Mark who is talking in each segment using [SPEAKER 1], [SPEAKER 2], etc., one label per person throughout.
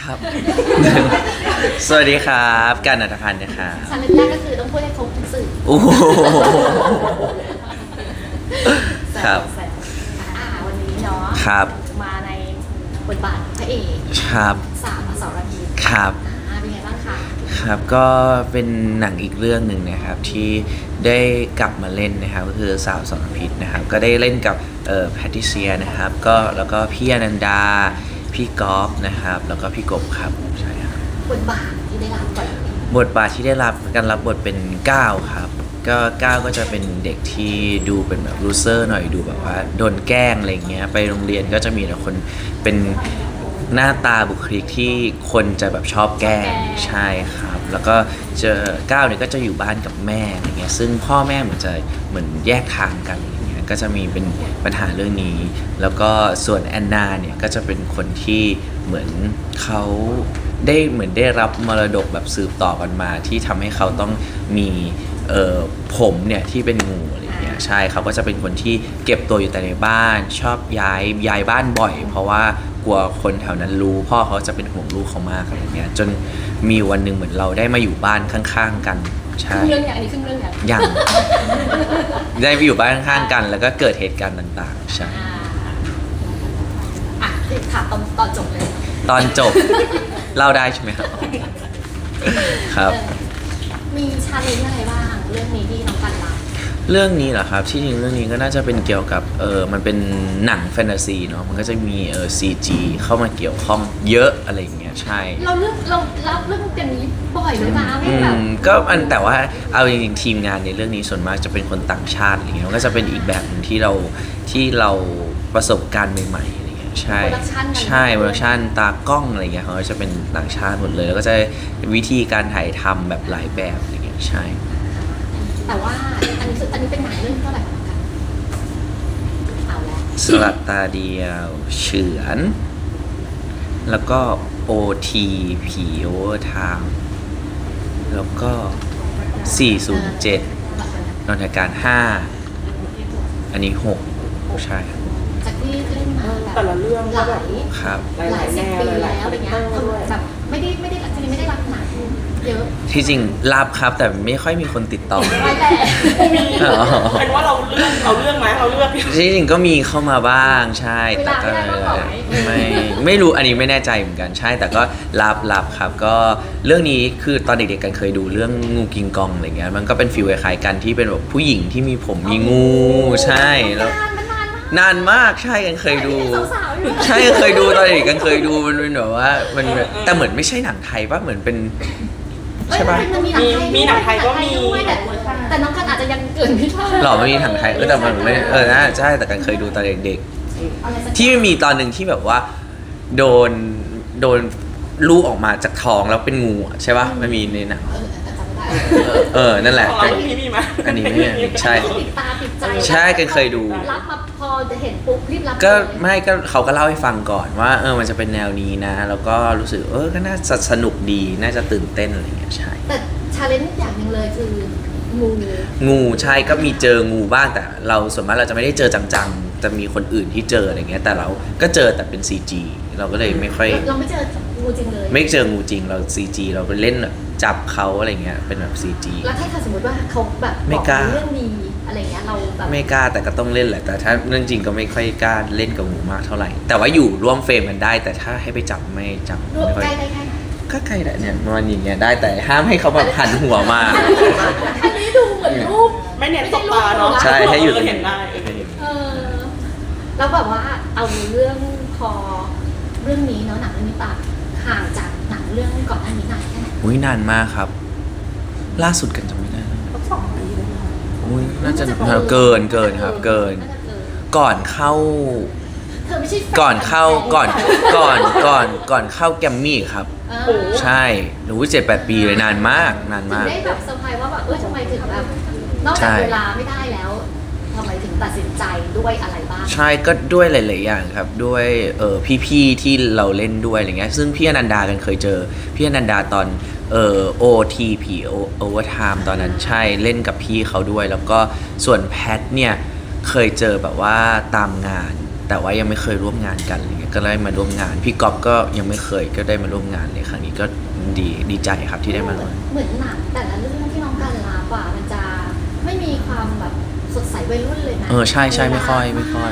[SPEAKER 1] ครับ สวัสดีครับการณัฐพันธ์นะครับ
[SPEAKER 2] ชาเลนจ์แรกก็คือต้องพูดให้ครบทุกสื่อ
[SPEAKER 1] โอ้โหครับ
[SPEAKER 2] แซววันนี้เนาะ
[SPEAKER 1] ครับ
[SPEAKER 2] มาในบทบาทพระเอก
[SPEAKER 1] ครับ
[SPEAKER 2] สามอสรพิษ
[SPEAKER 1] ครับ
[SPEAKER 2] เป็นไงบ้างคะ
[SPEAKER 1] ครับก็เป็นหนังอีกเรื่องหนึ่งนะครับที่ได้กลับมาเล่นนะครับก็คือสาวสรพิษนะครับก็ได้เล่นกับแพทริเซียนะครับก็แล้วก็พี่อนันดาพี่กอล์ฟนะครับแล้วก็พี่กบครับใช่ครับ
[SPEAKER 2] บทบาทที่ได้รับก่อน
[SPEAKER 1] บทบาทที่ได้รับการรับบทเป็นก้าวครับก็ก้าวก็จะเป็นเด็กที่ดูเป็นแบบลูเซอร์หน่อยดูแบบว่าโดนแกล้งอะไรเงี้ยไปโรงเรียนก็จะมีแต่คนเป็นหน้าตาบุคลิกที่คนจะแบบชอบแกล้งใช่ครับแล้วก็เจอก้าวเนี่ยก็จะอยู่บ้านกับแม่อะไรเงี้ยซึ่งพ่อแม่เหมือนแยกทางกันอะไรเงี้ยก็จะมีเป็นปัญหาเรื่องนี้แล้วก็ส่วนแอนนาเนี่ยก็จะเป็นคนที่เหมือนเขาได้รับมรดกแบบสืบต่อกันมาที่ทำให้เขาต้องมีผมเนี่ยที่เป็นงูอะไรเงี้ยใช่เขาก็จะเป็นคนที่เก็บตัวอยู่แต่ในบ้านชอบย้ายบ้านบ่อยเพราะว่ากลัวคนแถวนั้นรู้พ่อเขาจะเป็นห่วงลูกเขามากอะไรเงี้ยจนมีวันหนึ่งเหมือนเราได้มาอยู่บ้านข้างๆกันใช่
[SPEAKER 2] ครึ่งเรื่องอย่างอันนี้ครึ่งเรื่องอย่าง
[SPEAKER 1] ยัง ได้ไปอยู่บ้านข้างๆกันแล้วก็เกิดเหตุการณ์ต่างๆใช่
[SPEAKER 2] ถามตอนจบเลย
[SPEAKER 1] ตอนจบ เล่าได้ใช่ไหมครับครับ
[SPEAKER 2] มีชาเลนจ์อะไรบ้างเรื่องนี้ที่น้องกันรับ
[SPEAKER 1] เรื่องนี้เหรอครับที่จริงเรื่องนี้ก็น่าจะเป็นเกี่ยวกับมันเป็นหนังแฟนตาซีเนาะมันก็จะมีCG เข้ามาเกี่ยวข้องเยอะอะไรอย่างเงี้ยใช่
[SPEAKER 2] เรารับเรื่องอย่างนี้บ่อยเลยนะไม่แบบ
[SPEAKER 1] ก็แต่ว่าเอาจริงๆทีมงานในเรื่องนี้ส่วนมากจะเป็นคนต่างชาติอะไรเงี้ยมันก็จะเป็นอีกแบบหนึงที่เราประสบการณ์ใหม่ๆอะไรเงี้ยใช่ใช่โปรดักชั่นตากล้องอะไรเงี้ยเขาจะเป็นต่างชาติหมดเลยแล้วก็จะวิธีการถ่ายทำแบบหลายแบบอะไรเงี้ยใช่
[SPEAKER 2] แต่ว่าอันนี้เป็นหนังเรื่องเท่าไหร่ของกันเอาแล้ว
[SPEAKER 1] สลัดตาเดียวเฉือน แล้วก็ OT ผีโอเวอร์ไทม์แล้วก็ 407 นนทการ 5 อันนี้ 6 ใช่
[SPEAKER 2] จากที่เล่นมาแบบ
[SPEAKER 3] แต่ละเรื่องก็แบบ
[SPEAKER 1] ครับ
[SPEAKER 2] หลายสิบปีแล้วอะไรเงี้ยแบบไม่ได้จริงๆไม่ได้รับหนังเยอะ
[SPEAKER 1] ที่จริงรับครับแต่ไม่ค่อยมีคนติดต่อ
[SPEAKER 2] ไม่แต่
[SPEAKER 3] มี
[SPEAKER 1] อ๋อ
[SPEAKER 3] เป็นว่าเราเรื่องไหมเราเลือก
[SPEAKER 1] ที่จริงก็มีเข้ามาบ้างใช่แต่ก็ไม่รู้อันนี้ไม่แน่ใจเหมือนกันใช่แต่ก็รับครับก็เรื่องนี้คือตอนเด็กๆกันเคยดูเรื่องงูกิงกองอะไรเงี้ยมันก็เป็นฟีลคล้ายๆกันที่เป็นแบบผู้หญิงที่มีผมมีงูใช่แล้วนานมากใช่กันเคยดู ใช่กันเคยดูตอนเด็กกันเคยดูมันเป็นแบบว่ามันแต่เหมือนไม่ใช่หนังไทยป่ะเหมือนเป็นใช่ป่ะ
[SPEAKER 3] มีหนังไทยก็มี
[SPEAKER 2] แต่น้องกันอาจจะยังเกิดไม่ทัน
[SPEAKER 1] หรอไม่มีหนังไทยแต่มันไม่น่าใช่แต่กันเคยดูตอนเด็กๆที่มีตอนหนึ่งที่แบบว่าโดนลูกออกมาจากท้องแล้วเป็นงูอะใช่ป่ะมันมีในหนังนั่นแหละ
[SPEAKER 3] ของเรามีไหม
[SPEAKER 1] อันนี้ไม่ใช่
[SPEAKER 2] ติดตาติดใจ
[SPEAKER 1] ใช่กันเคยดู
[SPEAKER 2] รับมาพอจะเห็นปุ๊บรีบรับ
[SPEAKER 1] ก็ไม่ก็เขาก็เล่าให้ฟังก่อนว่ามันจะเป็นแนวนี้นะแล้วก็รู้สึกก็น่าจะสนุกดีน่าจะตื่นเต้นอะไรอย่างเงี้ยใช่
[SPEAKER 2] แต่ชาเลนจ์อย่างหนึ่งเลยคือ
[SPEAKER 1] งูใช่ก็มีเจองูบ้างแต่เราส่วนมากเราจะไม่ได้เจอจังๆจะมีคนอื่นที่เจออะไรเงี้ยแต่เราก็เจอแต่เป็น CG เราก็เลยไม่ค่อย
[SPEAKER 2] เราไม่เจองูจริงเลย
[SPEAKER 1] ไม่เจองูจริงเรา CG เราไปเล่นแบบจับเขาอะไรเงี้ยเป็นแบบ CG
[SPEAKER 2] แล้วถ้าสมมติว่าเขาแบบ
[SPEAKER 1] ไม่กล้า
[SPEAKER 2] เรื่องดีอะไรเงี้ยเราแบบ
[SPEAKER 1] ไม่กล้าแต่ก็ต้องเล่นแหละแต่ถ้าเรื่องจริงก็ไม่ค่อยกล้าเล่นกับงูมากเท่าไหร่ แต่ว่าอยู่ร่วมเฟรมกันได้ แต่ถ้าให้ไปจับไม่จับ
[SPEAKER 2] รวบ
[SPEAKER 1] ไม่ค่อย
[SPEAKER 2] ใกล้ได้แค่ไหน
[SPEAKER 1] ก็ใกล้แหละเนี่ยมันอย่างเงี้ยได้แต่ห้ามให้เขาแบบหันหัวมา
[SPEAKER 2] อันนี้ดูเหมือนรูป
[SPEAKER 3] ไม่เน้นตบตาเนาะ
[SPEAKER 1] ใช่ให้อยู่ตรง
[SPEAKER 3] เห็นได้
[SPEAKER 2] เออแล้วแบบว่าเอาเรื่องพอเรื่องนี้เนาะหนังเรื่องนี้ตัดห่างจากหนังเรื่องก่อนหน้านี้นานแค่ไหน
[SPEAKER 1] อุ้ยนานมากครับ ล่าสุดกันจำไม่ได้นะ
[SPEAKER 3] 2 ปีเลยนะ
[SPEAKER 1] อุ้ยน่าจะเกินครับเกิน
[SPEAKER 2] น่าจะเกิน
[SPEAKER 1] ก่อนเข้า
[SPEAKER 2] เธอไม่ใช่แฟน
[SPEAKER 1] ก่อนเข้าแกมมี่ครับ
[SPEAKER 2] เออ
[SPEAKER 1] ใช่หนู7-8 ปีเลยนานมาก
[SPEAKER 2] ถึงได้แบบเซอร์ไพรส์ว่าแบบทำไมถึงแบบนอก
[SPEAKER 1] ใช่
[SPEAKER 2] จากเวลาไม่ได้แล้วทำไมถึงตัดสินใจด้วยอะไรบ้าง
[SPEAKER 1] ใช่ก็ด้วยหลาย ๆ อย่างครับด้วยพี่ ๆ ที่เราเล่นด้วยอะไรเงี้ยซึ่งพี่อนันดากันเคยเจอพี่อนันดาตอนOTP Overtime ตอนนั้นใช่เล่นกับพี่เขาด้วย แล้วก็ส่วนแพทเนี่ยเคยเจอแบบว่าตามงานแต่ว่ายังไม่เคยร่วมงานกันอะไรเงี้ยก็ได้มาร่วมงานพี่ก๊อฟก็ยังไม่เคยก็ได้มาร่วมงานเลยครั้งนี้ก็ดีใจครับที่ได้มาร่วม
[SPEAKER 2] เหมือนหนังแต่ละเรื่องที่น้องกันรับอ่ะมันจะไม่มีความแบบสดใสวัยรุ่นเลยนะ
[SPEAKER 1] ใช่ไม่ค่อย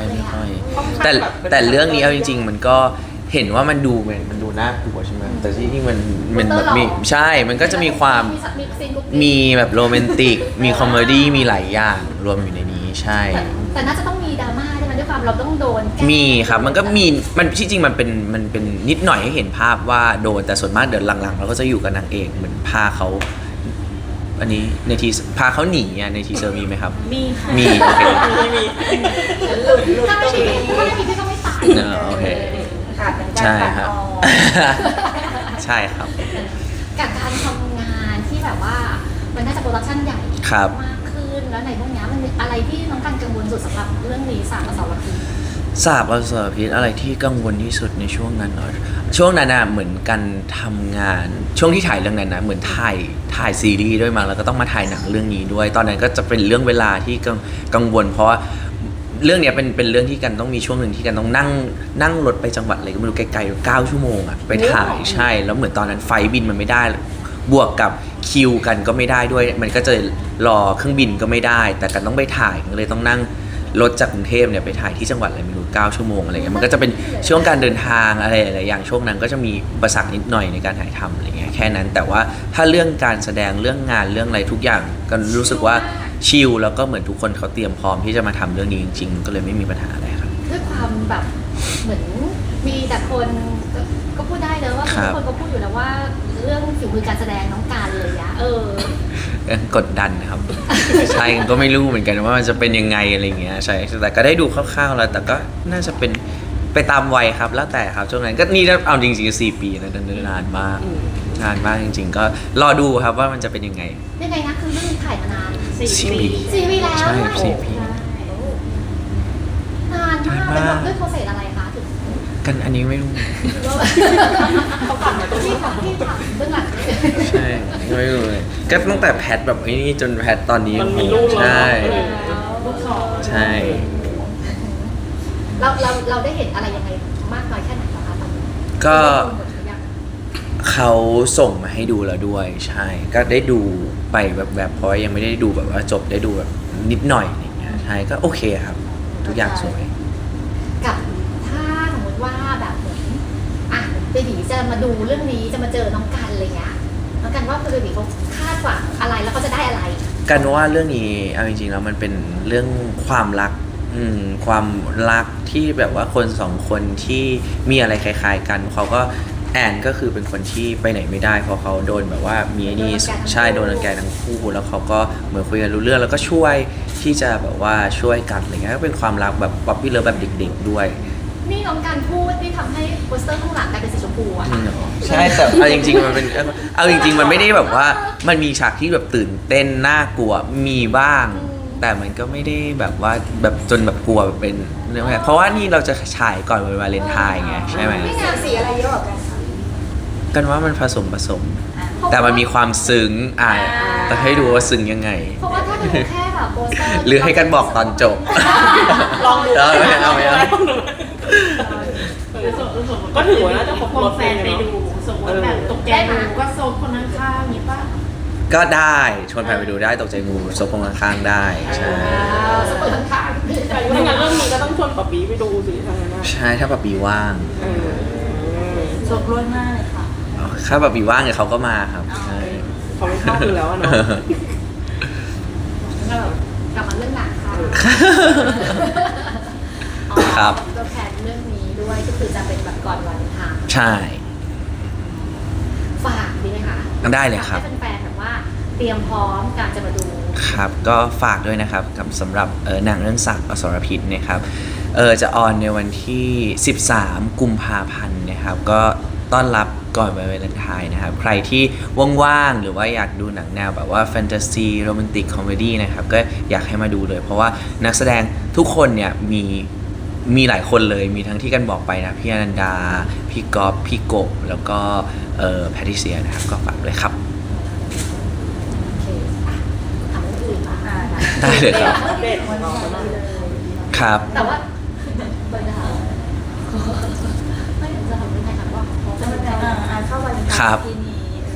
[SPEAKER 1] แต่เรื่องนี้เอาจริง ๆ มันก็เห็นว่ามันดูเหมือนมันดูน่ากลัวใช่ไหมแต่ที่นี่มันแบบมีใช่มันก็จะมีความ
[SPEAKER 2] ซีนกุ๊กกิ๊ก
[SPEAKER 1] มีแบบโรแมนติกมีคอมเมดี้มีหลายอย่างรวมอยู่ในนี้ใช่
[SPEAKER 2] แต่น่าจะต้องมีดราม่าใช่ไหมด้วยความเราต้องโดนแกล้ง
[SPEAKER 1] มีครับมันก็มีมันที่จริงมันเป็นนิดหน่อยให้เห็นภาพว่าโดนแต่ส่วนมากเดินหลังๆเราก็จะอยู่กับนางเอกเหมือนพาเขาอันนี้ในทีพาเขาหนีอ่ะในทีเซอร์มีไหมครับ
[SPEAKER 3] มีค่ะ
[SPEAKER 1] มีโอเค
[SPEAKER 3] มี
[SPEAKER 2] ถ้าไม่มีพี่ก็ไม่ตาย
[SPEAKER 1] โอเค
[SPEAKER 3] ขาดเหมือนกัน
[SPEAKER 1] ใช่
[SPEAKER 3] ตัด
[SPEAKER 1] ครับ
[SPEAKER 3] ออก
[SPEAKER 1] ใช่ครับ
[SPEAKER 2] กับการทำงานที่แบบว่ามันน่าจะโปรดักชั่นใหญ่
[SPEAKER 1] ครับ
[SPEAKER 2] มากขึ้นแล้วในพวกเนี้ยมันมีอะไรที่น้องกันกังวลสุดสำหรับเรื่องนี้สามอสรพิษ
[SPEAKER 1] สาบอสรพิษอะไรที่กังวลที่สุดในช่วงนั้นเหรอช่วงนั้นน่ะเหมือนกันทำงานช่วงที่ถ่ายเรื่องนั้นนะเหมือนถ่ายซีรีส์ด้วยมาแล้วก็ต้องมาถ่ายหนังเรื่องนี้ด้วย ตอนนั้นก็จะเป็นเรื่องเวลาที่กังวล เพราะว่าเรื่องเนี้ยเป็นเรื่องที่กันต้องมีช่วงหนึ่งที่กันต้องนั่งรถไปจังหวัดอะไรก็ไม่รู้ไกลๆ9 ชั่วโมงอะไปถ่ายใช่แล้วเหมือนตอนนั้นไฟล์บินมันไม่ได้ บวกกับคิวกันก็ไม่ได้ด้วย มันก็จะรอเครื่องบินก็ไม่ได้ แต่กันต้องไปถ่ายก็เลยต้องนั่งรถจากกรุงเทพเนี่ยไปถ่ายที่จังหวัดอะไรไม่รู้9 ชั่วโมงอะไรเงี้ยมันก็จะเป็นช่วงการเดินทางอะไรหลายอย่างช่วงนั้นก็จะมีอุปสรรคนิดหน่อยในการถ่ายทำอะไรเงี้ยแค่นั้นแต่ว่าถ้าเรื่องการแสดงเรื่องงานเรื่องอะไรทุกอย่างก็รู้สึกว่าชิลแล้วก็เหมือนทุกคนเขาเตรียมพร้อมที่จะมาทำเรื่องนี้จริงๆก็เลยไม่มีปัญหาอะไรครับ
[SPEAKER 2] ด้วยความแบบเหมือนมีแต่คนก็พูดได้เลยว่า
[SPEAKER 1] ครั
[SPEAKER 2] ทุ
[SPEAKER 1] บ
[SPEAKER 2] กคนก็พูดอยู่แล้วว่าเรื่องฝีมือการแสดงน้องการเลยอะ
[SPEAKER 1] กดดันนะครับ ใช่ก็ไม่รู้เหมือนกันว่ามันจะเป็นยังไงอะไรเงี้ยใช่แต่ก็ได้ดูคร่าวๆแล้วแต่ก็น่าจะเป็นไปตามวัยครับแล้วแต่ครับช่วงนั้นก็นี่เอาจริงๆ4 ปีนะนานมากนานมากจริงๆ ก็รอดูครับว่ามันจะเป็นยังไง
[SPEAKER 2] ยังไงนะคือเรื่องถ่ายมานาน
[SPEAKER 1] 4 ปี
[SPEAKER 2] 4 ปีแล้ว
[SPEAKER 1] ใช่4 ปี
[SPEAKER 2] นานมาก
[SPEAKER 1] นานมาก
[SPEAKER 2] ด้วยโปรเซสอะไรคะถึง
[SPEAKER 1] กันอันนี้ไม่รู้
[SPEAKER 2] เขากลับมาตรงที่ทำเบื้องหลัง
[SPEAKER 1] ใช่ไม่รู้เลยก็ตั้งแต่แพทแบบไอ้นี่จนแพทตอนนี้
[SPEAKER 3] มันมีลูกแล้ว
[SPEAKER 1] ใช่
[SPEAKER 3] ลูกสอง
[SPEAKER 1] ใช่
[SPEAKER 2] เราได้เห็นอะไรยังไงมากน้อยแค่ไหนคะตอนนี้
[SPEAKER 1] ก็
[SPEAKER 2] ได้ดูหมดหรือยัง
[SPEAKER 1] เขาส่งมาให้ดูแล้วด้วยใช่ก็ได้ดูไปแบบเพราะยังไม่ได้ดูแบบว่าจบได้ดูแบบนิดหน่อยอะไรเงี้ยใช่ก็โอเคครับ ทุกอย่างสวย
[SPEAKER 2] กับถ้าสมมติว่าแบบเหมือนอ่ะเบบีจะมาดูเรื่องนี้จะมาเจอน้องกันอะไรเงี้ยน้องกันว่าเบบีเขาคาดหวังอะไรแล้วเขาจะได้อะไร
[SPEAKER 1] กันว่าเรื่องนี้เอาจริงๆแล้วมันเป็นเรื่องความรักความรักที่แบบว่าคนสองคนที่มีอะไรคล้ายๆกันเขาก็แอนก็คือเป็นคนที่ไปไหนไม่ได้เพราะเขาโดนแบบว่ามีไอ้นี่ใช่โดนรังแกทั้งคู่แล้วเขาก็เหมือนคุยกันรู้เรื่องแล้วก็ช่วยที่จะแบบว่าช่วยกันอะไรเงี้ยก็เป็นความรักแบบป๊อปปี้เลิฟแบบเด็กๆด้วย
[SPEAKER 2] นี่น้องการพูดที่ทำให้โปสเตอร์ข้างหลังกลายเป็นสีชมพูอะค่ะ
[SPEAKER 1] ใช่แต่เอาจริงๆมันเป็นเอาจริงๆมันไม่ได้แบบว่ามันมีฉากที่แบบตื่นเต้นน่ากลัวมีบ้าง แต่มันก็ไม่ได้แบบว่าแบบจนแบบกลัวแบบเป็นเรื่องเพราะว่านี่เราจะฉายก่อนวันวาเลนไทน์ไงใช่ไหม
[SPEAKER 2] นี่งานสีอะไรเยอะกว่ากันคะ
[SPEAKER 1] กันว่ามันผสม แต่มันมีความซึ้งแต่ให้ดูว่าซึ้งยังไง
[SPEAKER 2] เพราะว่าถ้าดูแค่แบบโปสเตอร์
[SPEAKER 1] หรือให้กันบอกตอนจบ
[SPEAKER 3] ลองดู
[SPEAKER 1] เอาไหม
[SPEAKER 3] ก็ถือว่าน่าจะครบ
[SPEAKER 4] คว
[SPEAKER 3] รง ถ
[SPEAKER 4] แฟนไปดูสมมติแบบตกใจดูก็โซนคนข้างๆมีป่ะ
[SPEAKER 1] ก็ได้ชวนแฟนไปดูได้ตกใจงูซบพงข้างๆได้ใช่
[SPEAKER 2] สเปิดข้าง
[SPEAKER 3] ถ้างั้นเรื่องนี้ก็ต้องชวนป๊าปี้ไปดูสิทางนั้นนะ
[SPEAKER 1] ใช่ถ้าปะปีว่าง
[SPEAKER 4] โซนล้วนมากเลยค่ะ
[SPEAKER 1] ถ้าปะปีว่างเนี่ยเขาก็มาครับใช่
[SPEAKER 3] เขาไม่ชอบอยู่แล้วอะเนาะ
[SPEAKER 2] กลับมาเรื่องหนังค่ะ
[SPEAKER 1] ครับ
[SPEAKER 2] ตัวแทนเรื่องนี้ด้วยก็คือจะเป็นแบบก่อนวันทาง
[SPEAKER 1] ใช่
[SPEAKER 2] ฝากดีไหมคะ
[SPEAKER 1] ได้เลยครับ
[SPEAKER 2] ให้แฟนๆแบบว่าเตรียมพร้อมการจะมาดู
[SPEAKER 1] ครับก็ฝากด้วยนะครับกับสำหรับหนังเรื่องสักอสรพิษนะครับจะออนในวันที่ 13 กุมภาพันธ์นะครับก็ต้อนรับก่อนวันวาเลนไทน์นะครับใครที่ว่างๆหรือว่าอยากดูหนังแนวแบบว่าแฟนตาซีโรแมนติกคอมเมดี้นะครับก็อยากให้มาดูเลย เพราะว่านักแสดงทุกคนเนี่ยมีหลายคนเลยมีทั้งที่กันบอกไปนะพี่อนันดาพี่ก๊อฟพี่กบแล้วก็แพทริเซียนะครับก็ฝากเลยครับ
[SPEAKER 2] โอเคอ่ะถามเรื่องอื่นบ้าง
[SPEAKER 1] ได้เลยครับ
[SPEAKER 3] เด็ดของเรา
[SPEAKER 1] ครับ
[SPEAKER 2] แต่ว่าเปิดนะคะ
[SPEAKER 1] ครับ
[SPEAKER 4] ทีนี้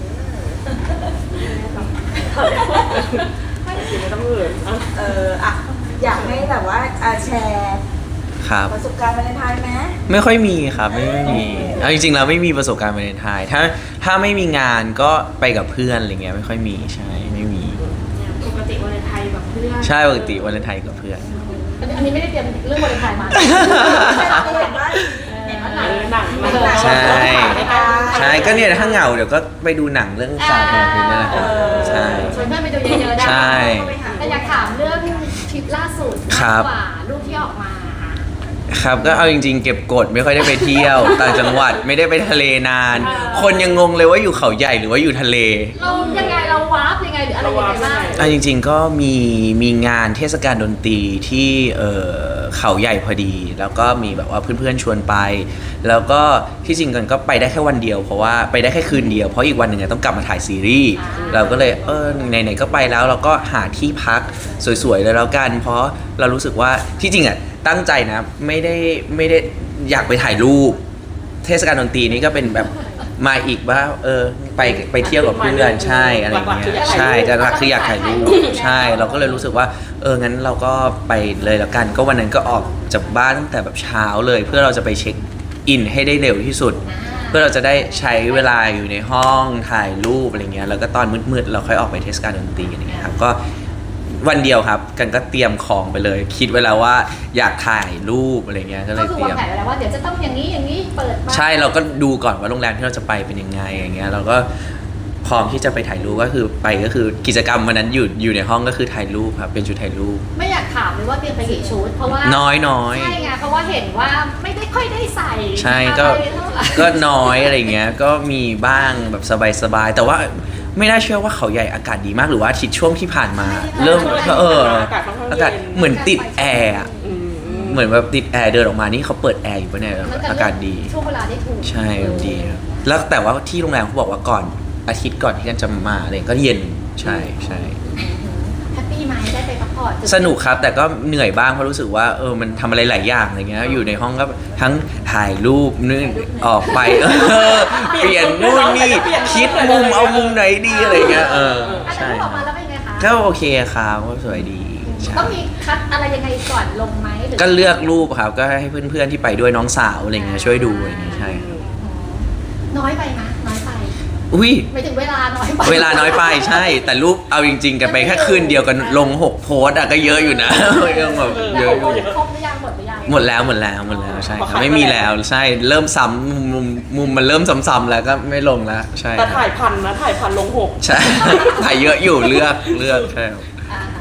[SPEAKER 3] ไม่ต้องเอ่ยอ่ะ
[SPEAKER 5] อ่ะอยากให้แบบว่าแชร์
[SPEAKER 1] ครับ
[SPEAKER 5] ประสบการณ์วาเลนไทน์ไหม
[SPEAKER 1] ไม่ค่อยมีครับไม่มีเอาจริงๆเราไม่มีประสบการณ์วาเลนไทน์ถ้าไม่มีงานก็ไปกับเพื่อนอะไรเงี้ยไม่ค่อยมีใช่ไม่มี
[SPEAKER 4] ปกติวันไทยแบบเพื่อน
[SPEAKER 1] ใช่ปกติวาเลนไทน์กับเพื่อน
[SPEAKER 2] อันนี้ไม่ได้เตรียมเรื่องวาเลนไทน์มา
[SPEAKER 5] เห็นว่า
[SPEAKER 2] เห็นว่าหนัง
[SPEAKER 3] หนัง
[SPEAKER 1] ใช่ใช่ก็เนี่ยถ้าเหงาเดี๋ยวก็ไปดูหนังเรื่องสาวคนนี้นั่นแหละครับใช่
[SPEAKER 2] ชวนเพื่อนไปดูเยอะๆได้
[SPEAKER 1] ใช่
[SPEAKER 2] แต่อยากถามเรื่องทริปล่าสุด
[SPEAKER 1] ครั
[SPEAKER 2] มาก
[SPEAKER 1] บ
[SPEAKER 2] กว่ารูปที่ออกมา
[SPEAKER 1] ครับก็เอาจริงๆเก็บกดไม่ค่อยได้ไปเที่ยว ต่างจังหวัดไม่ได้ไปทะเลนาน คนยังงงเลยว่าอยู่เขาใหญ่หรือว่าอยู่ทะเล
[SPEAKER 2] เรายังไงเราวาร์ปยังไงหรืออะไรยังไงบ้าง
[SPEAKER 1] เอาจริงๆก็มีงานเทศกาลดนตรีที่เขาใหญ่พอดี แล้วก็มีแบบว่าเพื่อนๆชวนไป แล้วก็ที่จริงกันก็ไปได้แค่วันเดียวเพราะว่าไปได้แค่คืนเดียวเพราะอีกวันหนึ่งอะต้องกลับมาถ่ายซีรีส์เราก็เลยไหนๆก็ไปแล้วเราก็หาที่พักสวยๆเลยแล้วกัน เพราะเรารู้สึกว่าที่จริงอะตั้งใจนะไม่ได้อยากไปถ่ายรูป เทศกาลดนตรีนี่ก็เป็นแบบมาอีกว่าไปเที่ยวกับเพื่อนใช่อะไรอย่างเงี้ยใช่แต่หลักคืออยากถ่ายรูปใช่เราก็เลยรู้สึกว่างั้นเราก็ไปเลยแล้วกัน ก็วันนั้นก็ออกจากบ้านตั้งแต่แบบเช้าเลย เพื่อเราจะไปเช็คอินให้ได้เร็วที่สุด เพื่อเราจะได้ใช้เวลาอยู่ในห้องถ่ายรูปอะไรเงี้ยแล้วก็ตอนมืดๆเราค่อยออกไปเทศกาลดนตรีอะไรเงี้ยครับก็วันเดียวครับกันก็เตรียมของไปเลย คิดไว้แล้วว่าอยากถ่ายรูปอะไรเงี้ยก็เล
[SPEAKER 2] ก็
[SPEAKER 1] ย
[SPEAKER 2] คือ
[SPEAKER 1] เตรี
[SPEAKER 2] วาง
[SPEAKER 1] ยม
[SPEAKER 2] แผนไว้แล้วว่าเดี๋ยวจะต้องอย่างนี้เปิดมา
[SPEAKER 1] ใช่เราก็ดูก่อนว่าโรงแรมที่เราจะไปเป็นยังไงอย่างเงี้ยเราก็พร้อมที่จะไปถ่ายรูปก็คือกิจกรรมวันนั้นอยู่ในห้องก็คือถ่ายรูปครับเป็นชุดถ่ายรูป
[SPEAKER 2] ไม่อยากถามเลยว่าเตรียมไปกี่ชุดเพราะว่า
[SPEAKER 1] น้อย
[SPEAKER 2] ใช่ไงเพราะว่าเห็นว่าไม่ได้ค่อยได้ใส่
[SPEAKER 1] ใช่ก็
[SPEAKER 2] อะไรเท่าไหร่
[SPEAKER 1] ก็น้อยอะไรเงี้ยก็มีบ้างแบบสบายๆแต่ว่าไม่น่าเชื่อว่าเขาใหญ่อากาศดีมากหรือว่าอาทิตย์ช่วงที่ผ่านมา เริ่มอากาศเหมือนติดแอร์อะเหมือนแบบติดแอร์เดินออกมานี่เขาเปิดแอร์อยู่ปะเนี่ยอากาศดี
[SPEAKER 2] ช่วงเวลาได้ถูก
[SPEAKER 1] ใช่ดีครับแล้วแต่ว่าที่โรงแรมเขาบอกว่าก่อนอาทิตย์ก่อนที่กันจะมาอะไรก็เย็นใช่ใช่
[SPEAKER 2] แฮปปี้ไหมได้ไปพักผ่อน
[SPEAKER 1] สนุกครับแต่ก็เหนื่อยบ้างเพราะรู้สึกว่ามันทำอะไรหลายอย่างอะไรเงี้ยอยู่ในห้องก็ทั้งถ่ายรูปนึงออกไปเปลี่ยนนู่นนี่คิดมุมเอามุมไหนดีอะไรเงี้ย
[SPEAKER 2] อันนั้น
[SPEAKER 1] ใช่
[SPEAKER 2] ออกมาแล้วเป็นไงคะ
[SPEAKER 1] ก็โอเคครับก็สวยดีใช่
[SPEAKER 2] ต้องมีคัดอะไรยังไงก่อนลงไหมหรือ
[SPEAKER 1] ก็เลือกรูปครับก็ให้เพื่อนๆที่ไปด้วยน้องสาวอะไรเงี้ยช่วยดูอะไรเงี้ยใช่ครับ
[SPEAKER 2] น้อยไปนะน้อยไป
[SPEAKER 1] อุ้ย
[SPEAKER 2] ไม่ถึงเวลาน้อยไป
[SPEAKER 1] เวลาน้อยไปใช่ แต่รูปเอาจริง ๆ กันไปแค่คืนเดียวกันลง6 โพสต์อะก็เยอะอยู่นะ ยังแบบ
[SPEAKER 2] แล้
[SPEAKER 1] เยว อะอยู่
[SPEAKER 2] ครบหรือยังหมดหรือยัง
[SPEAKER 1] หมดแล้วใช่ครับไม่มีแล้วใช่เริ่มซ้ำมุมมันเริ่มซ้ำๆแล้วก็ไม่ลงแล้วใช่
[SPEAKER 3] แต่
[SPEAKER 1] ครับ
[SPEAKER 3] ถ่ายพันลง6
[SPEAKER 1] ใช่ ถ่ายเยอะอยู่เลือกใช่ครับ
[SPEAKER 2] อ่า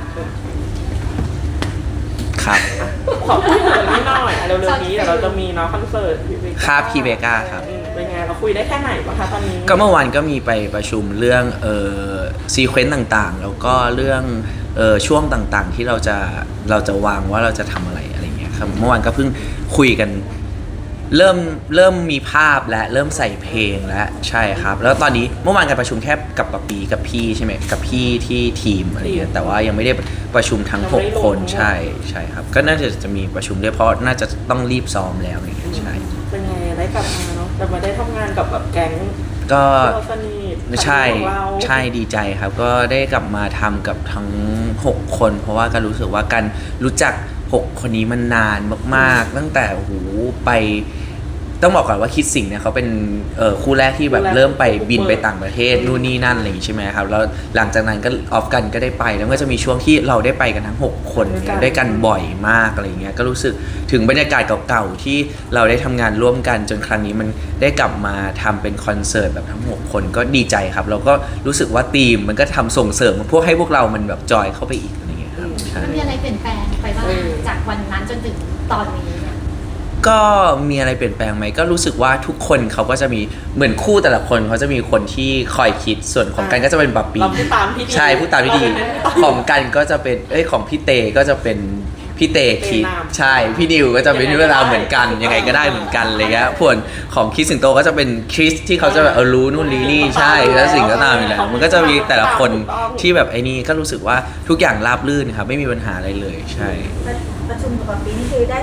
[SPEAKER 1] ครับ
[SPEAKER 3] ขอพูดถึงนี้หน่อยเร็วๆนี้เดี๋ยวเราจะมีเนาะคอนเสิร์ตพี่เบก
[SPEAKER 1] ครับพี่เบก้าครับ
[SPEAKER 3] เป็นไงเราคุยได้แค่ไหนบ้างคะตอนนี้
[SPEAKER 1] ก็เมื่อวานก็มีไปประชุมเรื่องซีเควนต์ต่างๆ แล้วก็เรื่องช่วงต่างๆที่เราจะวางว่าเราจะทำอะไรเงี้ยครับเมื่อวานก็เพิ่งคุยกันเริ่มมีภาพและเริ่มใส่เพลงแล้วใช่ครับ แล้วตอนนี้เมื่อวานการประชุมแค่กับปะปีกับพี่ใช่ไหมกับพี่ที่ทีมอะไรเงี้ยแต่ว่ายังไม่ได้ประชุมทั้ง6 คนใช่ครับก็น่าจะมีประชุมด้วยเพราะน่าจะต้องรีบซ้อมแล้วอะไรเงี้ยใช่
[SPEAKER 3] เป็นไงได้กลับมาเนาะแต่มาได้ทำงานกับแบบแก๊ง
[SPEAKER 1] ก็
[SPEAKER 3] ที่เราสนิท
[SPEAKER 1] ใช่
[SPEAKER 3] ของเรา
[SPEAKER 1] ใช่ดีใจครับก็ได้กลับมาทำกับทั้ง6 คน เพราะว่าการรู้สึกว่าการรู้จัก6 คนนี้มันนานมากๆ ตั้งแต่โอ้โหไปต้องบอกก่อนว่าคิดสิ่งเนี่ยเขาเป็นคู่แรกที่แบบเริ่มไปบินไปต่างประเทศนู่นนี่นั่นอะไรอย่างงี้ใช่ไหมครับแล้วหลังจากนั้นก็ออฟกันก็ได้ไปแล้วก็จะมีช่วงที่เราได้ไปกันทั้ง6 คนด้วยกันบ่อยมากอะไรอย่างเงี้ยก็รู้สึกถึงบรรยากาศเก่าๆที่เราได้ทำงานร่วมกันจนครั้งนี้มันได้กลับมาทำเป็นคอนเสิร์ตแบบทั้ง6 คนก็ดีใจครับแล้วก็รู้สึกว่าทีมมันก็ทำส่งเสริมพวกให้พวกเรามันแบบจอยเข้าไปอีกอะไรอย่างเงี้ยครับใช่
[SPEAKER 2] มันมีอะไรเปลี่ยนแปลงไปบ้างจากวันนั้นจนถึงตอนนี้เนี่ย
[SPEAKER 1] ก็มีอะไรเปลี่ยนแปลงไหมก็รู้สึกว่าทุกคนเขาก็จะมีเหมือนคู่แต่ละคนเขาจะมีคนที่คอยคิดส่วนของกันก็จะเป็นบับปี
[SPEAKER 3] เราพูดตามพี่ดี
[SPEAKER 1] ใช่พูดตามพี่ดีของกันก็จะเป็นของพี่เตก็จะเป็นพี่เตคิดใช่พี่นิวก็จะเป็นเวลาเหมือนกันยังไงก็ได้เหมือนกันอะไรเงี้ยส่วนของคริสสิงโตก็จะเป็นคริสที่เขาจะแบบรู้นู่นรู้นี่ใช่แล้วสิ่งก็ตามอยู่แล้วมันก็จะมีแต่ละคนที่แบบไอ้นี่ก็รู้สึกว่าทุกอย่างราบรื่นครับไม่มีปัญหาอะไรเลยใช่
[SPEAKER 5] ประชุมกับปีนี่คือได้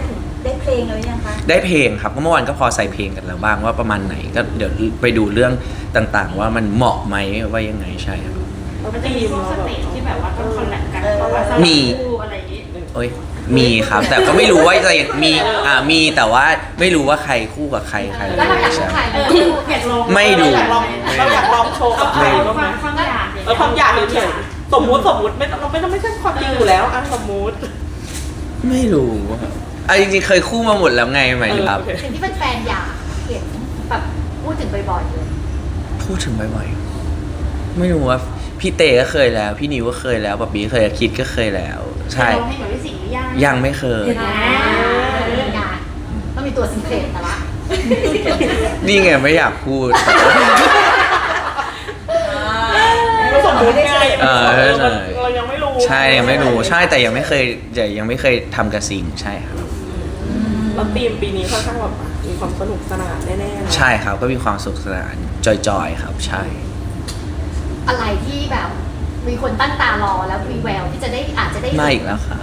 [SPEAKER 5] ได้เพลงแล้วยังคะ
[SPEAKER 1] ได้เพลงครับก็เมื่อวานก็พอใส่เพลงกันแล้วบ้างว่าประมาณไหนก็เดี๋ยวไปดูเรื่องต่างๆ ว่ามันเหมาะไหมว่ายังไงใช่ครับ
[SPEAKER 4] มันจะมีพวกสเตจที่แบบว่าต้องคอลแลบกันเพราะว่าส
[SPEAKER 1] มี
[SPEAKER 4] ลับคู่อะไรอย่างงี้
[SPEAKER 1] โอ้ยมีครับ แต่ก็ไม่รู้ว่าจะมีมีแต่ว่าไม่รู้ว่าใครคู่กับใครใคร
[SPEAKER 2] แล้วเราอยากรู้ใคร
[SPEAKER 4] อยากลอง
[SPEAKER 1] ไม่ดู
[SPEAKER 3] เราอยากลองโชว์กับใคร
[SPEAKER 4] เอา
[SPEAKER 3] บ้างไหม
[SPEAKER 4] ความอยาก
[SPEAKER 3] ความอยากเฉยๆสมมุติไม่ใช่ความจริงอยู่แล้วอ่ะสมมุติ
[SPEAKER 1] ไม่รู้จริงๆเคยคู่มาหมดแล้วไงหมายถึงครับ
[SPEAKER 2] สิ่งที่เป็นแฟนอยากเห็นแบบพูดถึงบ่อยๆเลย
[SPEAKER 1] พูดถึงบ่อยๆไม่รู้ว่าพี่เตก็เคยแล้ว พี่นิวก็เคยแล้วป๊บบี้เคยคิดก็เคยแล้ว ใช่
[SPEAKER 4] ลองให้กับพี่สิงห์หรือยัง
[SPEAKER 1] ยังไม่เคย
[SPEAKER 2] งานต้องมีตัวสิงเครตแต่ละ
[SPEAKER 1] นี่ไงไม่อยากพูด
[SPEAKER 3] ก็สมมุติไง
[SPEAKER 1] ใช่
[SPEAKER 3] เรายังไม่รู้
[SPEAKER 1] ใช่ยังไม่รู้ใช่แต่ยังไม่เคยทำกระสิงใช่ครับ
[SPEAKER 3] แล้วธีมปีนี้ค่อนข้างแบบมีความสนุกสนานแน่ๆนะ
[SPEAKER 1] ใช่ครับก็มีความสุขสนานจอยๆครับใช่
[SPEAKER 2] อะไรที่แบบมีคนตั้งตารอแล้วมีแววที่จะได้อาจจะได้
[SPEAKER 1] มาอีกแล้วครับ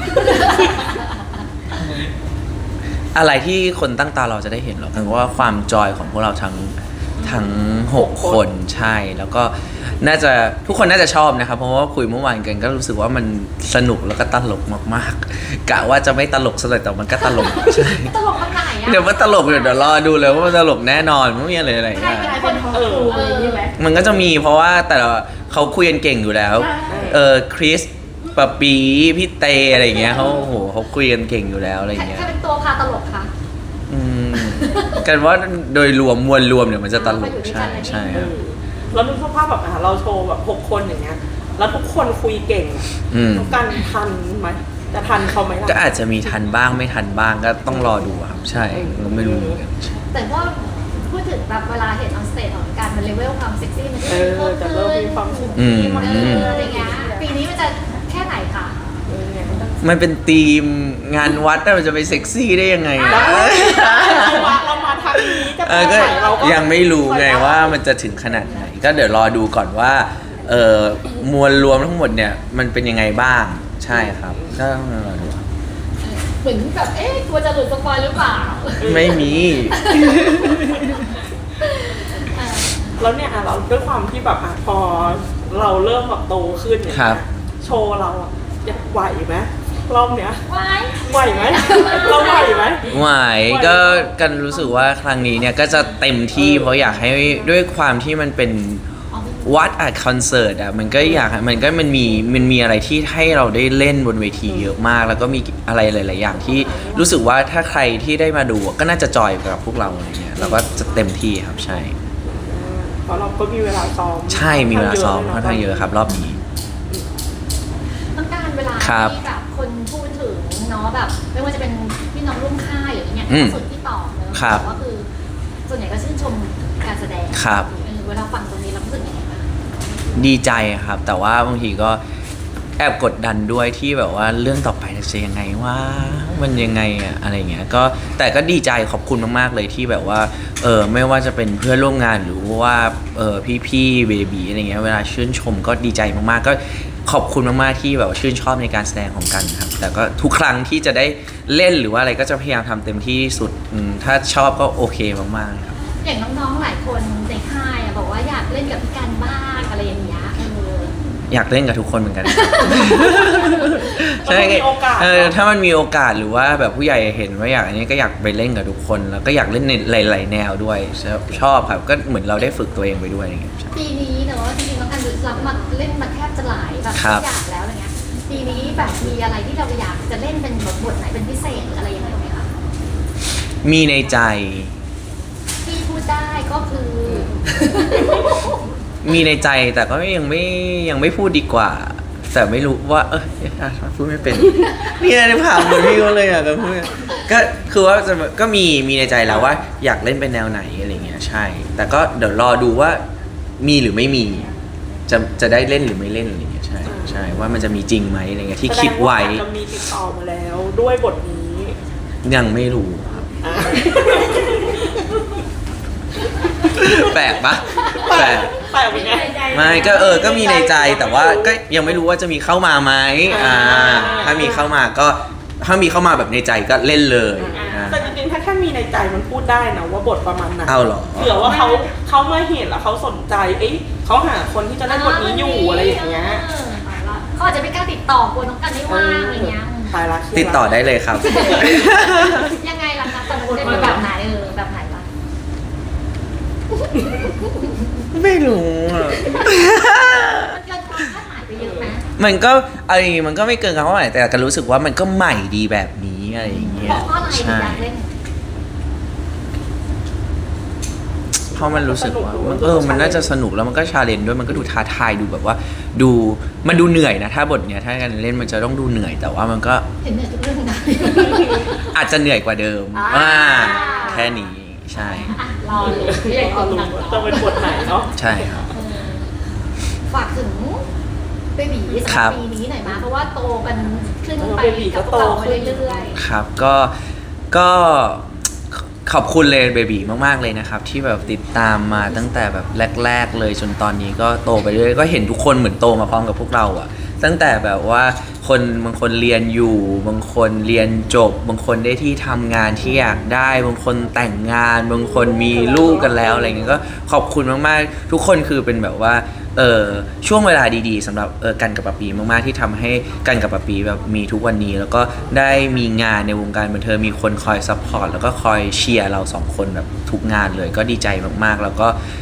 [SPEAKER 1] อะไรที่คนตั้งตารอจะได้เห็นหรอคือว่าความจอยของพวกเราทั้ง6 คนใช่แล้วก็น่าจะทุกคนน่าจะชอบนะครับเพราะว่าคุยเมื่อวานกันก็รู้สึกว่ามันสนุกแล้วก็ตลกมากๆกะว่าจะไม่ตลกซะเลยแต่มันก็ตลกใช่
[SPEAKER 2] ตลกขนาดไหนอะ
[SPEAKER 1] เดี๋ยวมันตลกเดี๋ยวรอดูเลยว่ามันตลกแน่นอนไม่มีอะไรอะไร
[SPEAKER 2] ใคร
[SPEAKER 1] เงี้ย
[SPEAKER 2] เป็นคนของครูอะไรอย่างนี้ไหม
[SPEAKER 1] มันก็จะมีเพราะว่าแต่ละเขาคุยกันเก่งอยู่แล้วคริสปะปีพี่เตอะไรอย่างเงี้ยเขาโอ้โหเขาคุยกันเก่งอยู่แล้วอะไรอย่างเงี้ย
[SPEAKER 2] ใครเป็นตัวพาตลกคะ
[SPEAKER 1] อืมกันว่าโดยรวมมวลรวมเนี่ยมันจะตลกใช่ใช่ครับ
[SPEAKER 3] แล้วนึกสภาพแบบเราโชว์แบบ6 คนอย่างเงี้ยแล้วทุกคนคุยเก่ง
[SPEAKER 1] อืม
[SPEAKER 3] ทุกการทันไหมจะทันเขาไหมล่ะ
[SPEAKER 1] ก็อาจจะมีทันบ้างไม่ทันบ้างก็ต้องรอดูครับใช่ก็ไม่รู้เหมือนกัน
[SPEAKER 2] แต่ว่าพูดถึงแบบเวลาเห็นออนสเตจของการมันเลเวลความเซ็กซี่มันจะ
[SPEAKER 3] จะ
[SPEAKER 2] เพิ่ม
[SPEAKER 3] เริ่ม
[SPEAKER 2] ขึ้น
[SPEAKER 3] มีความสุข
[SPEAKER 1] อืม
[SPEAKER 2] อะไรเงี้ยปีนี้มันจะแค่ไหนคะ
[SPEAKER 3] เนี่ย
[SPEAKER 1] มันเป็นธีมงานวัดน่ะมันจะไปเซ็กซี่ได้ยังไงนะ
[SPEAKER 3] เรามาทางนี้จะไป
[SPEAKER 1] ก็
[SPEAKER 3] ไหนเราก็
[SPEAKER 1] ยังไม่รู้ไงว่ามันจะถึงขนาดไหน ก็เดี๋ยวรอดูก่อนว่า มวลรวมทั้งหมดเนี่ยมันเป็นยังไงบ้างใช่ครับก็ต้องรอดูครับ
[SPEAKER 2] เหมือนแบบกลัวจะหลุดสปอยหรือเปล่า
[SPEAKER 1] ไม่มี
[SPEAKER 3] แล้วเนี่ยเราด้วยความที่แบบพอเราเริ่มแบบโตขึ้นเนี่ย
[SPEAKER 1] ครับ
[SPEAKER 3] โชว์เราอยากไหวไหมรอบเนี้ย
[SPEAKER 2] ไว้
[SPEAKER 3] ไหวไหมเราไหวไหม
[SPEAKER 1] ไหวก็กันรู้สึกว่าครั้งนี้เนี่ยก็จะเต็มที่เพราะอยากให้ด้วยความที่มันเป็นวัดคอนเสิร์ตมันก็อยากมันมีอะไรที่ให้เราได้เล่นบนเวทีเยอะมาก แล้วก็มีอะไรหลาย ๆ อย่างที่รู้สึกว่าถ้าใครที่ได้มาดูก็น่าจะจอยกับพวกเราอะไรเงี้ยเราก็จะเต็มที่ครับใช่
[SPEAKER 3] เพราะเราก็มีเวลาซ้อม
[SPEAKER 1] ใช่มีเวลาซ้อมค่อนข้างเยอะครับรอบนี้
[SPEAKER 2] ต้องการเวลา
[SPEAKER 1] ครับ
[SPEAKER 2] ที่แบบคนพูดถึงเนาะแบบ ไม่ว่าจะเป็นพี่น้องร่วมค่ายหรืออย่างเงี้ย
[SPEAKER 1] อืม
[SPEAKER 2] ส่วนที่ต่อเนอะ
[SPEAKER 1] ครับ
[SPEAKER 2] แต่ว่าคือส่วนใหญ่ก็ชื่นชมการแสดง
[SPEAKER 1] ครับ
[SPEAKER 2] เวลาฟังตรงนี้เรารู้สึกยังไงบ้าง
[SPEAKER 1] ดีใจครับ แต่ว่าบางทีก็แอบกดดันด้วยที่แบบว่าเรื่องต่อไปจะยังไงว่ามันยังไงอะอะไรเงี้ยก็แต่ก็ดีใจขอบคุณมากๆเลยที่แบบว่าไม่ว่าจะเป็นเพื่อนร่วมงานหรือว่าพี่ๆเบบีอะไรเงี้ยเวลาชื่นชมก็ดีใจมากๆก็ขอบคุณมากๆที่แบบว่าชื่นชอบในการแสดงของกันครับแต่ก็ทุกครั้งที่จะได้เล่นหรือว่าอะไรก็จะพยายามทำเต็มที่ที่สุดถ้าชอบก็โอเคมากๆครับ
[SPEAKER 2] อย่างน้องๆหลายคนในค่ายอะบอกว่าอยากเล่นกับพี่กันบ้างอะไรอย่างเงี้ย
[SPEAKER 1] อยากเล่นกับทุกคนเหมือนกัน
[SPEAKER 3] ถ้ามันมีโอกาส
[SPEAKER 1] ถ้ามันมีโอกาสหรือว่าแบบผู้ใหญ่เห็นว่าอยากอันนี้ก็อยากไปเล่นกับทุกคน แล้วก็อยากเล่นในหลายๆแนวด้วยชอบครับก็เหมือนเราได้ฝึกตัวเองไปด้วยอย่างเงี้ย
[SPEAKER 2] ปีนี้เนอะจริงๆน้องกันรับมาเล่นมาแทบจะหลายแบบ
[SPEAKER 1] ครับ
[SPEAKER 2] ทุกอย่างแล้วอะไรเงี้ยปีนี้แบบมีอะไรที่เราอยากจะเล่นเป็นบทไหนเป็นพิเศษหรืออะไรยังไงไหมคะ
[SPEAKER 1] มีในใจ
[SPEAKER 2] ที่พูดได้ก็คือ
[SPEAKER 1] มีในใจแต่ก็ยังไม่พูดดีกว่า แต่ไม่รู้ว่าพูดไม่เป็น เนี่ยในผ่านเหมือนพี่เขาเลยอ่ะก็พูดก็คือว่าก็มีในใจแล้วว่าอยากเล่นเป็นแนวไหนอะไรเงี้ยใช่ แต่ก็เดี๋ยวรอดูว่ามีหรือไม่มีจะได้เล่นหรือไม่เล่นอะไรเงี้ยใช่ใช่ว่ามันจะมีจริงไหมอะไรเงี้ยที่คิดไว้
[SPEAKER 3] แสดงาจะมีติดต่อมาแล้วด้วยบทนี้
[SPEAKER 1] ยังไม่รู้ครับ
[SPEAKER 3] อ่ะ
[SPEAKER 1] แปลกปะแปลก
[SPEAKER 3] แต่เป็นไง
[SPEAKER 1] ไม่ก็ก็มีในใจแต่ว่าก็ยังไม่รู้ว่าจะมีเข้ามาไหมถ้ามีเข้ามาก็ถ้ามีเข้ามาแบบในใจก็เล่นเลยอ่า
[SPEAKER 3] แต่จริงๆถ้าแค่มีในใจมันพูดได้นะว่าบทประมาณไหน
[SPEAKER 1] เอาเหรอ
[SPEAKER 3] เผื่อว่าเขามาเห็นแล้วเขาสนใจเขาหาคนที่จะเล่นบทนี้อยู่อะไรอย่างเงี้ย
[SPEAKER 2] เขาอาจจะไม่กล้าติดต่อกลัวน้องกันไม่ว่างอะไรเงี้ย
[SPEAKER 3] ตายละ
[SPEAKER 1] ติดต่อได้เลยครับ
[SPEAKER 2] ยังไงล่ะคะแต่มันเป็นแบบไหนแบบไหนล่ะ
[SPEAKER 1] ไม่รู้อ่ะ
[SPEAKER 2] มันเกินความคาดหมายไปเยอะไหม
[SPEAKER 1] มันก็อะไรมันก็ไม่เกินคำว่าไหนแต่ก็รู้สึกว่ามันก็ใหม่ดีแบบนี้อะไรอย่างเงี้ย
[SPEAKER 2] เพราะอะไรถึง
[SPEAKER 1] ใช่
[SPEAKER 2] อยากเล่น
[SPEAKER 1] เพราะมันรู้สึกว่ามันน่าจะสนุกแล้วมันก็ชาเลนจ์ด้วยมันก็ดูท้าทายดูแบบว่ามันดูเหนื่อยนะถ้าบทเนี้ยถ้าการเล่นมันจะต้องดูเหนื่อยแต่ว่ามันก็
[SPEAKER 2] เห็นเนี่ยทุกเรื่องนะ
[SPEAKER 1] อาจจะเหนื่อยกว่าเดิม
[SPEAKER 2] อ่า
[SPEAKER 1] แค่นี้ใช่
[SPEAKER 2] อ่ะรอเลยเรียก
[SPEAKER 3] เอา
[SPEAKER 2] เอา
[SPEAKER 3] รู้
[SPEAKER 2] หนัง
[SPEAKER 3] จะเป็นบทไหนเนาะ
[SPEAKER 1] ใช่ครับ
[SPEAKER 2] ฝากถึงเบบีสำห
[SPEAKER 1] ครั
[SPEAKER 2] รับบ ปีนี้หน่อยมาเพราะว่าโตกันขึ้นไป
[SPEAKER 3] เบบีก็
[SPEAKER 2] กับพว
[SPEAKER 3] โต
[SPEAKER 2] กเรา
[SPEAKER 3] ขึ้น
[SPEAKER 2] เรื่อย
[SPEAKER 1] ครับก็ขอบคุณเลยเบบีมากๆเลยนะครับ ที่แบบติดตามมาตั้งแต่แบบแรก ๆ เลยจนตอนนี้ก็โตไปเรื่อยก็เห็นทุกคนเหมือนโตมาพร้อมกับพวกเราอะตั้งแต่แบบว่าบางคนเรียนอยู่บางคนเรียนจบบางคนได้ที่ทำงานที่อยากได้บางคนแต่งงานบางคนมีลูกกันแล้วอะไรเงี้ยก็ขอบคุณมากๆทุกคนคือเป็นแบบว่าช่วงเวลาดีๆสำหรับกันกับปะปีมากๆที่ทำให้กันกับปะปีแบบมีทุกวันนี้ แล้วก็ได้มีงานในวงการบันเทิงมีคนคอยซัพพอร์ตแล้วก็คอยเชียร์เราสองคนแบบทุกงานเลยก็ดีใจมากๆแล้ว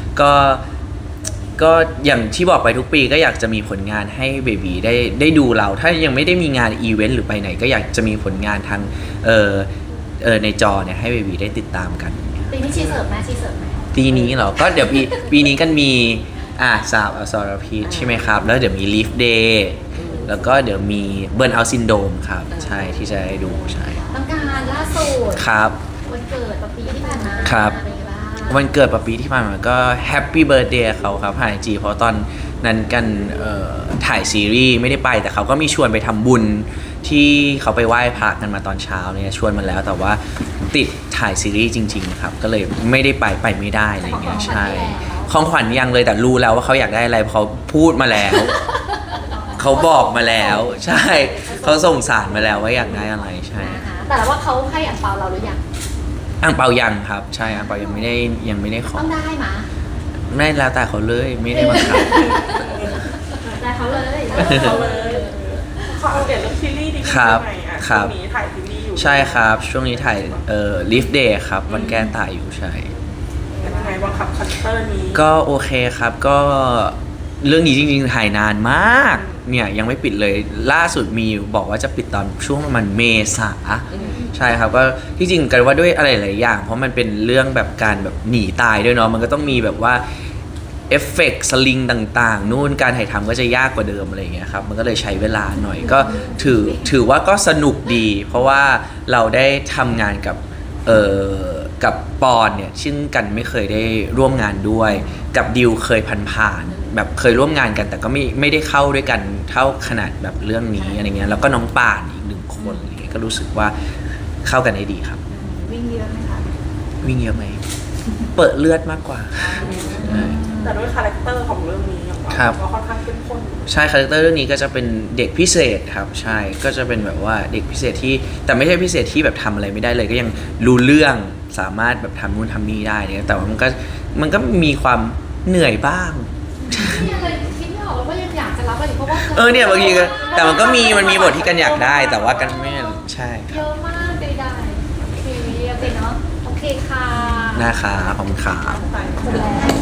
[SPEAKER 1] ก็อย่างที่บอกไปทุกปีก็อยากจะมีผลงานให้เบบีได้ดูเรา ถ้ายังไม่ได้มีงานอีเวนต์หรือไปไหนก็อยากจะมีผลงานทางในจอเนี่ยให้เบบีได้ติดตามกัน
[SPEAKER 2] ๆปีนี้ชีเสิร์ฟไหมชีเสิร์ฟไหม
[SPEAKER 1] ปีนี้เหรอ ก็เดี๋ยวปีนี้กันมีสาวอสรพิษใช่ไหมครับ แล้วเดี๋ยวมี Leaf Day แล้วก็เดี๋ยวมี Burn Out Syndrome ครับ ใช่ที่จะได้ดูใช่
[SPEAKER 2] ต้องการล่าสุด
[SPEAKER 1] ครับ
[SPEAKER 2] วันเกิดปีที่ผ่านมา
[SPEAKER 1] ครับ
[SPEAKER 2] เป็นไงบ้าง
[SPEAKER 1] วันเกิดปะปีที่ผ่านมาก็ Happy Birthday เขาครับผ่าน IG เพราะตอนนั้นกันถ่ายซีรีส์ไม่ได้ไป แต่เขาก็มีชวนไปทำบุญที่เขาไปไหว้พระกันมาตอนเช้าเนี่ยชวนมาแล้วแต่ว่าติดถ่ายซีรีส์จริงๆครับก็เลยไม่ได้ไปไม่ได้อะไรอย่างเงี้ยใช่ของขวัญยังเลยแต่รู้แล้วว่าเขาอยากได้อะไรเพราะเขาพูดมาแล้ว เขาบอกมาแล้วใช่เขาส่งสารมาแล้วว่าอยากได้อะไรใช่
[SPEAKER 2] นะคะแต่ว่าเขาให้อันเปาเราหรือยัง
[SPEAKER 1] อ่างเปายังครับใช่อ่างเปายังไม่ได้ขอ
[SPEAKER 2] ต้องได้มา
[SPEAKER 1] ไม่แล้วแต่เขาเลยไม่ได้บังคับ
[SPEAKER 2] ได้เขาเลย
[SPEAKER 3] เขาเลยขอเอาเดี๋ยวเรื่องซีรีส์ดีกว่า
[SPEAKER 1] ครับ
[SPEAKER 3] ไหมอ่ะ
[SPEAKER 1] ครับ
[SPEAKER 3] ช่วงนี้ถ่ายซีรีส์อยู่
[SPEAKER 1] ใช่ครับช่วงนี้ถ่ายLeaf Day ครับวันแก้ตายอยู่ใช่
[SPEAKER 3] เป็นยังไงบ้างครับคาแรคเตอร์นี้
[SPEAKER 1] ก็โอเคครับก็เรื่องนี้จริงๆถ่ายนานมากเนี่ยยังไม่ปิดเลยล่าสุดมีบอกว่าจะปิดตอนช่วงประมาณเมษาใช่ครับก็ที่จริงกันว่าด้วยอะไรหลายอย่างเพราะมันเป็นเรื่องแบบการแบบหนีตายด้วยเนาะมันก็ต้องมีแบบว่าเอฟเฟกต์สลิงต่างๆนู่นการถ่ายทำก็จะยากกว่าเดิมอะไรอย่างเงี้ยครับมันก็เลยใช้เวลาหน่อยก็ถือว่าก็สนุกดี เพราะว่าเราได้ทำงานกับปอนเนี่ยซึ่งกันไม่เคยได้ร่วมงานด้วยกับดิวเคยผ่านๆแบบเคยร่วมงานกันแต่ก็ไม่ได้เข้าด้วยกันเท่าขนาดแบบเรื่องนี้อะไรเงี้ยแล้วก็น้องป่านอีกหนึ่งคนอะไรเงี้ยก็รู้สึกว่าเข้ากันได้ดีครับ
[SPEAKER 2] วิ่งเยอะไหมคะ
[SPEAKER 1] วิ่งเยอะไหมเปิดเลือดมากกว่าใช่
[SPEAKER 3] แต่ด้วยคาแรคเตอร์ของเรื่องนี้อย่าง
[SPEAKER 1] ครับ
[SPEAKER 3] ก็ค่อนข้างเข้มข้น
[SPEAKER 1] ใช่คาแรคเตอร์เรื่องนี้ก็จะเป็นเด็กพิเศษครับใช่ก็จะเป็นแบบว่าเด็กพิเศษที่แต่ไม่ใช่พิเศษที่แบบทำอะไรไม่ได้เลยก็ยังรู้เรื่องสามารถแบบทำนู่นทำนี่ได้เนี่ยแต่ว่ามันก็มีความเหนื่อยบ้าง
[SPEAKER 2] นี่อะไรคิดไม่ออกแล้วว่ายังอยากจะรับอะไรเพราะว่า
[SPEAKER 1] เนี่ยบางทีก็แต่มันก็มีบทที่กันอยากได้แต่ว่ากันไม่ใช่ค
[SPEAKER 2] เย
[SPEAKER 1] รับ
[SPEAKER 2] อะมากได้โอเคโอเคเนาะโอเคค่ะ
[SPEAKER 1] นะคะขอบคุณครับ
[SPEAKER 2] หมดแล้ว